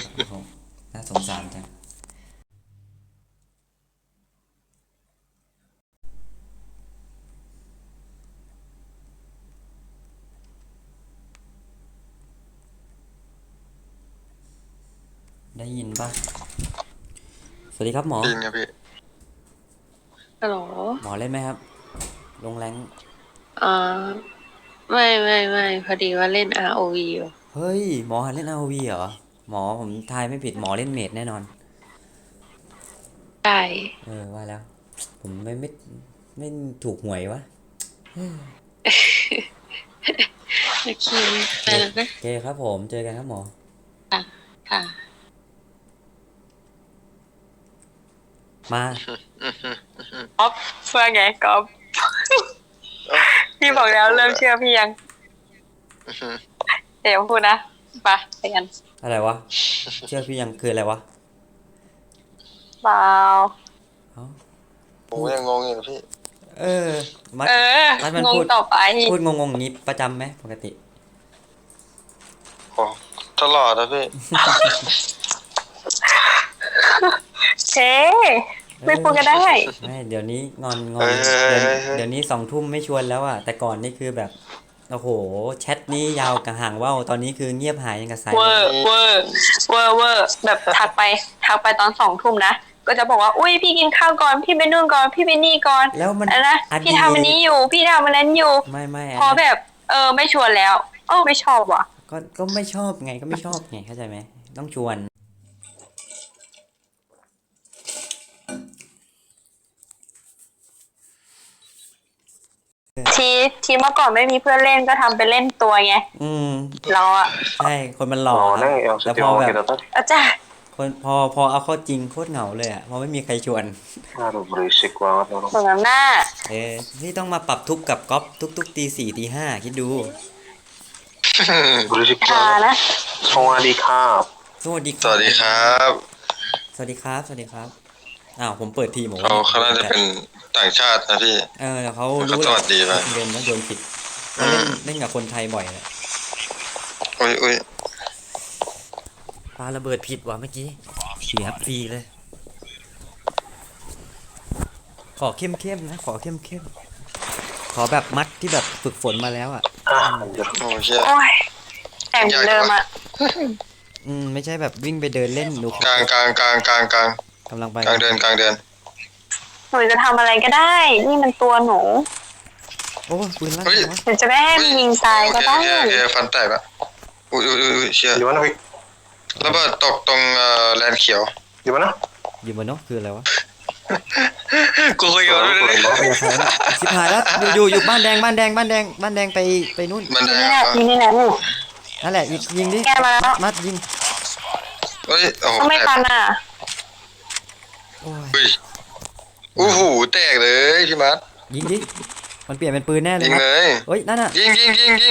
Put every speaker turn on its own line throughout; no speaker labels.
โอ้โหน่าสงสารจังได้ยินปะสวัสดีครับหมอ
ได้ยินครับพี่
ฮัลโหล
หมอเล่นไหมครับลงแรง
อ่าไม่พอดีว่าเล่น ROV อยู่
เฮ้ยหมอหัดเล่น ROV เหรอหมอผมทายไม่ผิดหมอเล่นเมจแน่นอน
ได้
ว่าแล้วผมไม่ถูกหวยวะ
โอเคไป
โอ
แล้วนะ
เคครับผมเจอกันครับหมอ
ค่ะค่ะ
มา
ก๊อฟว่าไงก๊อฟพี่บอกแล้วเริ่มเชื่อพี่ยังเดี๋ยวพูดนะไปกัน
อะไรวะเชื่อพี่ยังคืออะไรวะ
เปล่า
เอ้า
ผม
พูด
ยังงงอยู่นะพี่
เออมัด
เออ
มันพูด
งงต่อไป
งงๆอย่างนี้ประจำไหมปกติ
โอ้ตลอดนะพี่
เช่ไม่พูดก็ได้
ไม่เดี๋ยวนี้งอน
เฮ้ย
เดี๋ยวนี้20 ทุ่มไม่ชวนแล้วอ่ะแต่ก่อนนี่คือแบบโอ้โหแชทนี้ยาวกระห่างว่าวตอนนี้คือเงียบหายยังกับสาย
เว
ลม
อร์เวอร์เวอร์แบบทักไปตอน2 ทุ่มนะก็จะบอกว่าอุ้ยพี่กินข้าวก่อนพี่ไปนู่นก่อนพี่ไปนี่ก่อน
แล้วมัน
นะพี่ทำอันนี้อยู่พี่ทำอันนั้นอยู่
ไม่
พอแบบไม่ชวนแล้วไม่ชอบว่ะ
ก็ไม่ชอบไงก็ไม่ชอบไงเข้าใจไหมต้องชวน
ทีเมื่อก่อนไม่มีเพื่อนเล่นก็ทำไปเล่นตัวไง
อืม
เราอะ
ใช่คนมันหล่อครับแต่พอแบบ
อาจารย์
คนพอเอาเข้าจริงโคตรเหงาเลยอ่ะเพราะไม่มีใครชวน
ส่วนหน้า
นี่ต้องมาปรับทุกข์กับก๊อฟทุกตี 4 ตี 5คิดดู
ทานะ
สวัสดีครับ
สวัสดี
สวัสดีครับ
สวัสดีครับสวัสดีครับอ้าวผมเปิดทีมบอกว่า
เขาน่าจะเป็นต่างชาตินะพี่
แต่เขา
เขา
รู้แหละ
สวัสดีไป
เรียนแล้วโยนผิดเขาเล่นกับคนไทยบ่อยแหละ
อุ้ย
ปาระเบิดผิดว่ะเมื่อกี้เสียฟรีเลยขอเข้มนะขอเข้มขอแบบมัดที่แบบฝึกฝนมาแล้วอ่ะ
โอ้เชี่ย
โอ้ยแต่งเดิมอะ
ไม่ใช่แบบวิ่งไปเดินเล่นดู
กลาง
กำลังไป
กลางเดิน
หนูจะทำอะไรก็ได้นี่มันตัวหนู
โอ้ปืนลั่นวะ
หนูจะไม่ให้มันยิงตายก็ได้
โอเคฟันแตกละอุ้ยเชี่ยระเบิดตกตรงแลนเขียวอยู่มั้ยนะ
อยู่บนนกคืออะไรวะ
กูคุยกับมันเลย
ชิบหายแล้วอยู่บ้านแดงไปนู่น
บ้านแดง
ยิงนี่แหละ
นั่นแหละยิงดิมัดยิง
เฮ้ยโอ้โห
ไม่ทันอ่ะ
โอ้โหแตกเลยพี่มัด
ยิงดิมันเปลี่ยนเป็นปืนแน่เลย
ยิงเลย
เฮ้ยนั่นน่ะ
ยิงยิง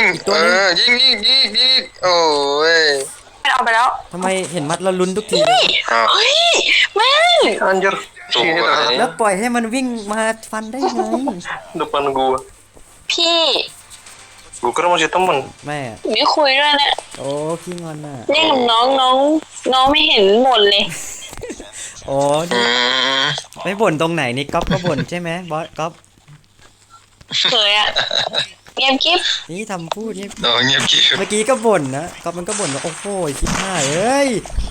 โอ้ย
มันเอาไปแล้ว
ทำไมเห็นมัดแล้วลุ้นทุกทีเลย
เฮ้ยแม่ง
อันเยอะ
แล้วปล่อยให้มันวิ่งมาฟันได้ไง
depan gua
พี่
gua kira masih temen
แม่
ไม่คุยด้วยนะ
โอ้ขี้งอนน่ะ
เล่นกับน้องไม่เห็นบ่นเลย
โอ้ไม่บ่นตรงไหนนี่ก๊อฟก็บ่นใช่ไหมบอสก๊อฟ
เคยอะเงียบกิ๊บ
นี่ทำพูดนี่
เงียบกิ๊บ
เมื่อกี้ก็บ่นนะก๊อฟมันก็บ่นว่าโอ้โหชิบหายเอ้ย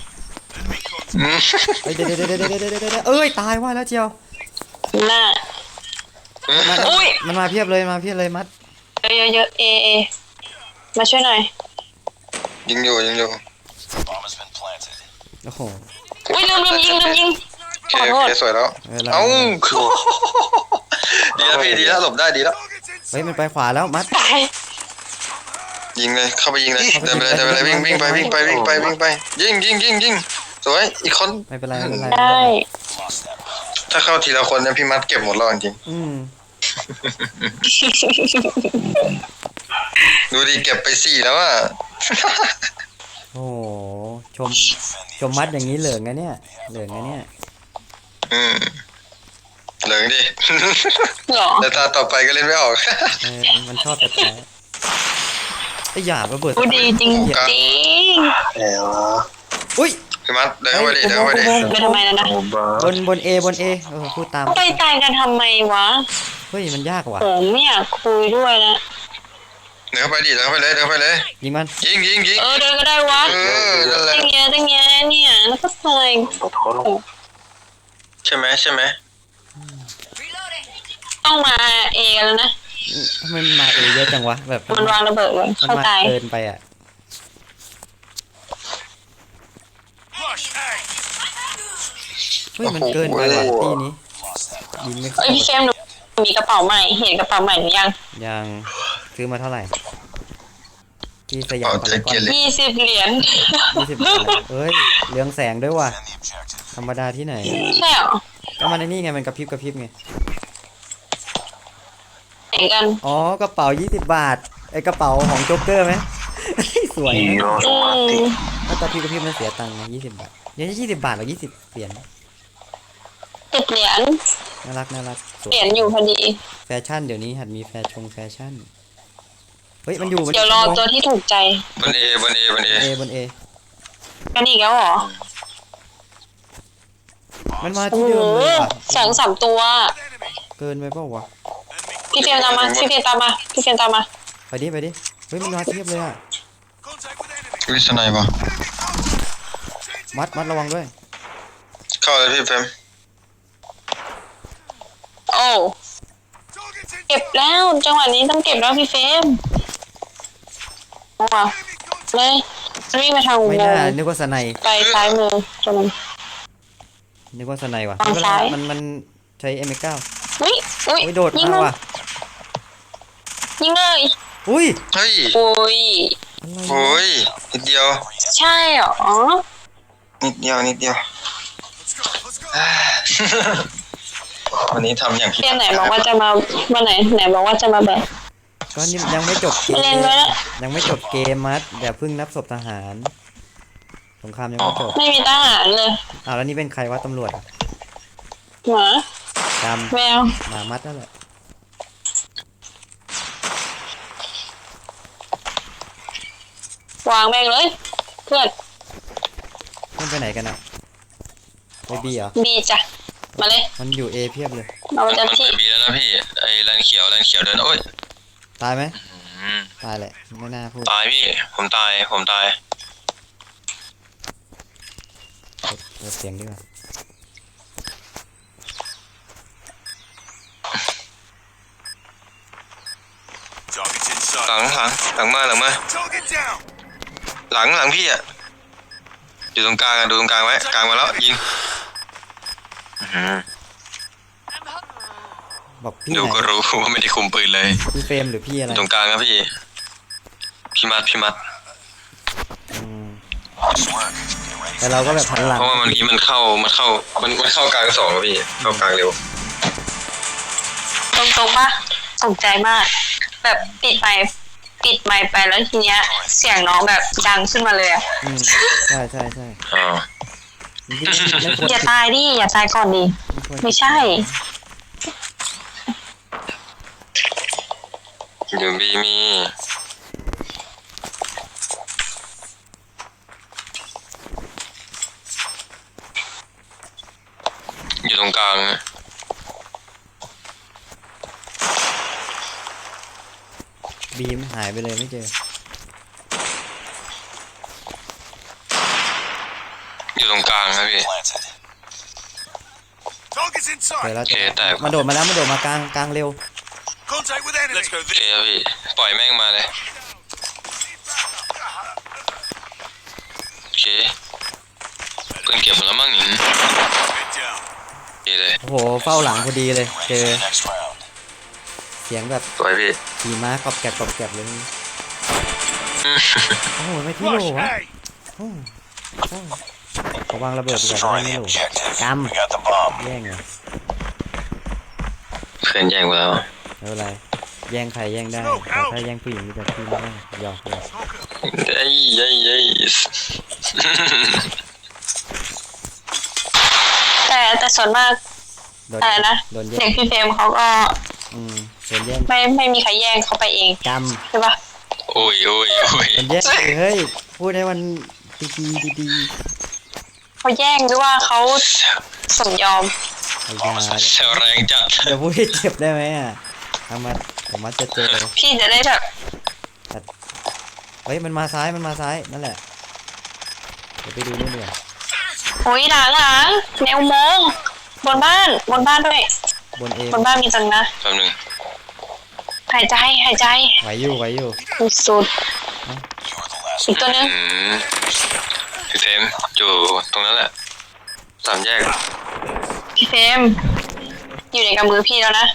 เดี๋ยวเอ้ยตายว่าแล้วเจียว
น่ะ
มันมาเพียบเลยมัด
เยอะมาช่วยหน่อย
ยิงอยู่
โอ้โห
อุ้ยลืมยิงขอโทษ
สวยแล้วเอ้าดีแล้วพี่ดีแล้วหลบได้ดีแล้ว
เฮ้ยมันไปขวาแล้วมัด
ยิงเลยเข้าไปยิงเลยเดินไปเลยวิ่งไปยิงสวยอีกคน
ไม่เป็นไร
ได้
ถ้าเข้าทีละคนเนี่ยพี่มัดเก็บหมดแล้วจริงดูดิเก็บไป4แล้วอ่ะ
โอ้ชมมัดอย่างนี้เหลืองไงเนี่ยเหลืองดิ
แต่ตาต่อไปก็เล่นไม่ออก
มันชอบแต่ไอ้หยาบระเบิด
ดีจริง
อุ้ย
พี่มัดเดินเข้าไปดิเดินเข้าไปดิ
ไปทำไมนะ
บนเอบนเอพูดตาม
ไปตายกันทำไมวะ
เฮ้ยมันยากว่ะ
ผมไม่อยากคุยด้วยนะ
เดินเข้าไปดิเดินเข้าไปเลยเดินเข้าไปเลย
ยิงมัน
ยิง
เดินก็ได้วะ
นั่นแหละ
ตั้งเงี้ยเนี่ยแล้วก็ใส่
ใช่ไหม
ต้องมาเอกันแล้วนะ
ทำไมมันมาเอเยอะจังวะแบบ
มันวางระเบิดเลย
มัน
เข้า
มา
ตาย
เกินไปอ่ะเฮ้ยมันเกินไปว่ะที่นี้ยิงไม่เข้า
เอ้ยพี่เฟมหนูมีกระเป๋าใหม่เห็นกระเป๋าใหม่หรือยัง
ยังซื้อมาเท่าไหร่ที่สยา
เอา
มพา
ใจ
รากอ
เก
น
เร
20 เหรียญ
20 บาทเอ้ยเรืองแสงด้วยว่ะธรรมดาที่ไหน
ใช่เหรอ
ก็มันในนี่ไงมันกระพริบไง
ไหนกัน
อ๋อกระเป๋า20 บาทไอกระเป๋าของโจ๊กเกอร์ไหม สวยนะ ถ้ากระพริบมันเสียตังค์นะ20 บาทเดี๋ยว20 บาทหรือ20 เหรียญ
10 เหรียญ
น่ารักสว
เหรี
ย
ยญอยู่พอดี
แฟชั่นเดี๋ยวนี้หัดมีแฟชั่นเฮ้ยมันอยู่
เดี๋ยวรอตัวที่ถูกใจ
บนเอบนเอบนเอบ
นเอ
กันอีกแล้วเหรอ
มันมา
โอ้
ที่
โห
เดิมเลยว่ะ
2-3 ตัว
เกินไปเปล่าวะ
พี่เฟรมตามมาพี่เฟรมตามมา
ไปดิเฮ้ยมันมาเทียบเลยอ่ะ
วิสไนปะ
มัดระวังด้วย
เข้าเลยพี่เฟม
โอ้เก็บแล้วจังหวะนี้ต้องเก็บแล้วพี่เฟรมเอาว่ะเลยวิ่งไปทางอุ
ไม่
โม
น่าง
ค์
นึกว่าสไน
ไปซ้ายมือตรงนั้น
นึกว่าสไนว่ะ
ฝั่งซ้าย
มันใช้ M9
อุ้ย
โอ้ยโดด
ยิง
มา
มัน
ว่ะ
ยิงเลย
อุ้ย
เฮ้ย
โอ้ย
โอ้ยนิดเดียว
ใช่เหรอ
นิดเดียววันนี้ทำอย่างผิด
เรียนไหนบอกว่าจะมาวันไหนบอกว่าจะมาแบบ
ก็นี่ยังไม่จบเกม
เล่นไว้แล้ว
ยังไม่จบเกมมัดอย่าเพิ่งนับศพทหารสงครามยังไม่จบ
ไม่มีทหารเลย
อ้าวแล้วนี่เป็นใครวะตำรวจอะ
หมา
จ
แมว
ำหมามัดนั่นแหละ
วางแม่งเลย เพื่อน
มันไปไหนกันอ่ะไปบีเหรอ
บีจ้ะมาเลย
มันอยู่เอเพียบเลย
เราจะที่
บีแล้วนะพี่ไอ้แลนเขียวเดินโอ้ย
ตายไหมตายแหละไม่น่าพูด
ตายพี่ผมตาย
เปิดเสียงดีกว่า
หลังมาหลังพี่อ่ะอยู่ตรงกลางดูตรงกลางไว้กลางมาแล้วยิง
บอกพี่
ดู
ไหน
ก็รู้ว่าไม่ได้คุมปืนเลย
พี่เฟรมหรือพี่อะไร
ตรงกลางครับพี่มัด
อืมแต่เราก็แบบหันหลัง
เพราะว่ามันเข้ากลางสองครับพี่เข้ากลางเร็ว
ตรงปะตกใจมาก แบบปิดไมค์ไปแล้วทีเนี้ย เสียงน้องแบบดังขึ้นมาเลยอ่ะ
อืมใช่
อ๋อ
ไม่ควร
อย่าตายดิอย่าตายก่อนดิไม่ใช่
อยู่บีมีอยู่ตรงกลาง
บีมหายไปเลยไม่เจอ
อยู่ตรงกลางครับพี่
เจอแล้ว
โอเคแต่
มันโดดมากลางเร็ว
โอเคครับพี่ปล่อยแม่งมาเลยโอเคเพิ่งเก็บมาแล้วมั้งหนิดีเลย
โอ้โหเฝ้าหลังพอดีเลย เจอเสียงแบบ
สวยพี่
ขี่ม้ากรอบแกรบเลยโอ้โหไม่ที่โหลวะโอ้โหระวังระเบิดดีกว่าจะได้ไม่โหลกำแย่งเหรอ
เพื่อนแย่งไปแล้ว
ไม่เป็นไรแย่งใครแย่งได้แต่ถ้าแย่งผู้หญิงนี่จะพี่ไม่ได้หยอก
เอ้ย
แต่ส่วนมาก
โดน
อะไรนะ
โดนแย่
เด็
ง
กพี่เฟรมเขาก็
โดนแย่ง
ไม่มีใครแย่งเขาไปเอง
ก
ใช่ปะ
โอ้ย
ำโดนแย่งเฮ้ยพูดให้มันดี
เขาแย่งหรือว่าเขาสมยอม
ไอ้ยา
เซลแรงจัด
เดี๋ยวพูดให้เจ็บได้ไหมอ่ะทำมาผมมาจะเจอ
พี่จะได้แบบ
เฮ้ยมันมาซ้ายนั่นแหละเดี๋ยวไปดูนู่นดีกว่า
โอ้ยหลังแนวโมงค์บนบ้านด้วย
บนเอบ
นบ้านมีจังนะ
แป๊บนึง
หายใจ
ไหวอยู่
สุดอีกตัวนึง
พี่เฟรมอยู่ตรงนั้นแหละสามแยก
พี่เฟรมอยู่ในกำมือพี่แล้วนะ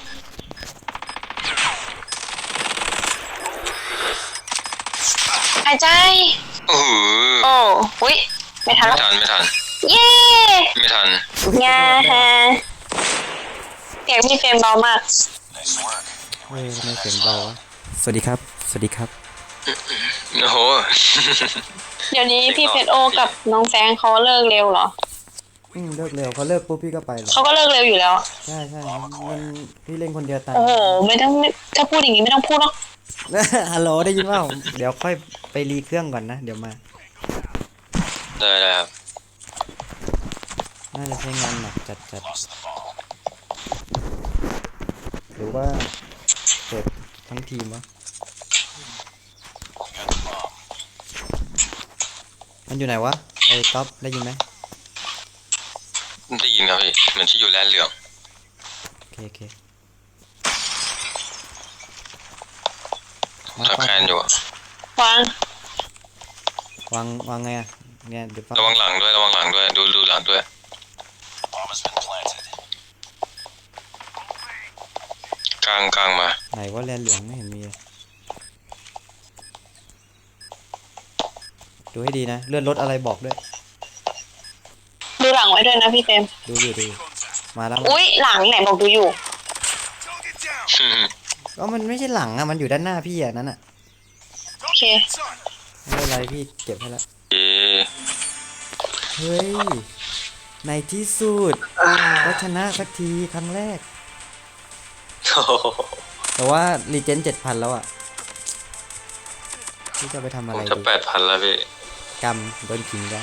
หายใจ
โอ้โห
โอ้อุ๊ยไม่ทัน
ไม่
แล้ว
ทันไม่ทัน
เย้
ไม่ทัน
งาฮะเสียงพี่เฟรมเบามาก
เฮ้ยทำไมเสียงเบาวะสวัสดีครับ
โอ้โห
เดี๋ยวนี้พี่เพชรโอกับน้องแซงเขาเลิกเร็วเหรอ
เลิกเร็วเขาเลิกปุ๊บพี่ก็ไปเลย
เขาก็เลิกเร็วอยู่แล้ว
ใช่มันพี่เล่นคนเดียวตาย
โอ้โหไม่ต้องถ้าพูดอย่างนี้ไม่ต้องพูดหรอก
ฮัลโหลได้ยินเปล่าเดี๋ยวค่อยไปรีเครื่องก่อนนะเดี๋ยวมา
ได้ครับ
น่าจะใช้งานหนักจัดหรือว่าเปิดทั้งทีมวะมันอยู่ไหนวะไอ้ท็อปได้ยินไหม
ได้ยินครับพี่เหมือนที่อยู่แลนด์เหลือง
โอเค
ทักแคนอยู่อะ
วาง
วางไงอะเนี่ยเดี๋ยวฟัง
ระวังหลังด้วยดูหลังด้วยกลางมา
ไหนว่าแลนเหลืองไม่เห็นมีเลยดูให้ดีนะเลื่อนรถอะไรบอกด้วย
ดูหลังไว้ด้วยนะพี่เฟรม
ดูอยู่มาแล้ว
อุ๊ยหลังไหนบอกดูอยู่
ก็มันไม่ใช่หลังอะมันอยู่ด้านหน้าพี่อะนั่นอะ
โอเค
ไม่เป็นไรพี่เก็บให้แล้ว
เอ๊
เฮ้ยในที่สุดก็ชนะสักทีครั้งแรก แต่ว่ารีเจน7,000แล้วอะพี่จะไปทำ
ผ
อะไร
มจะ
ดี
8,000แล้วพี่
กำโดนขิงแล้ว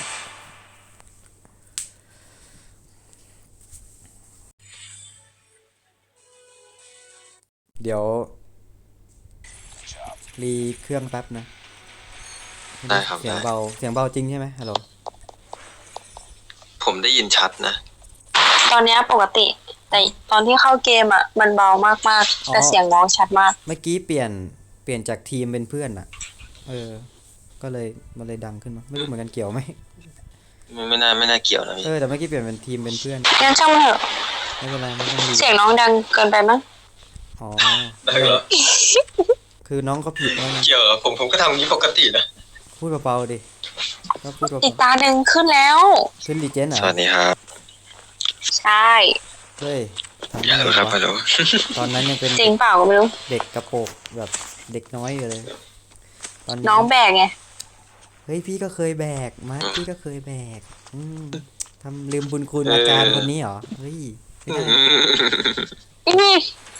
เดี๋ยวรีเครื่องแป๊บนะ
ได้ครับ
เสียง
ได้
เบาจริงใช่ไหมฮัลโหล
ผมได้ยินชัดนะ
ตอนเนี้ยปกติ แต่ตอนที่เข้าเกมอ่ะมันเบามากๆแต่เสียงน้องชัดมาก
เมื่อกี้เปลี่ยนจากทีมเป็นเพื่อนอะก็เลยมันเลยดังขึ้นมาไม่รู้เหมือนกันเกี่ยวไหม
ไม่น่าเกี่ยวนะพี่
แต่เมื่อกี้เปลี่ยนเป็นทีมเป็นเพื่อน
งั้นช่างมันเถอะ
ไม่เป็นไรไม่ต้องรี
เสียงน้องดังเกินไปมั้ง
อ๋อ
ได้เหรอ
คือน้องเขาผิดแล้วนะ
เกี่ยวเหรอผมก็ทำอย่างนี้ปกตินะ
พูดเบาๆดิก็พูด
อีก
เบา
ตาหนึ่งขึ้นแล้ว
ๆขึ้นรีเจนเหร
ส
อ
วัสดีครับ
ใช่
เฮ้ยทำ
อย่า
ไม
เลยครับฮัลโหล
ตอนนั้นยังเป็น
จริงเปล่าก็ไม่รู้
เด็กกระโปรงแบบเด็กน้อยอยู่เลย ตอนนี้
น้องแบกไง
เฮ้ยพี่ก็เคยแบกมาพี่ก็เคยแบกทำลืมบุญคุณอาจารย์คนนี้เหรอเฮ้ยไม่ได้
อื้อ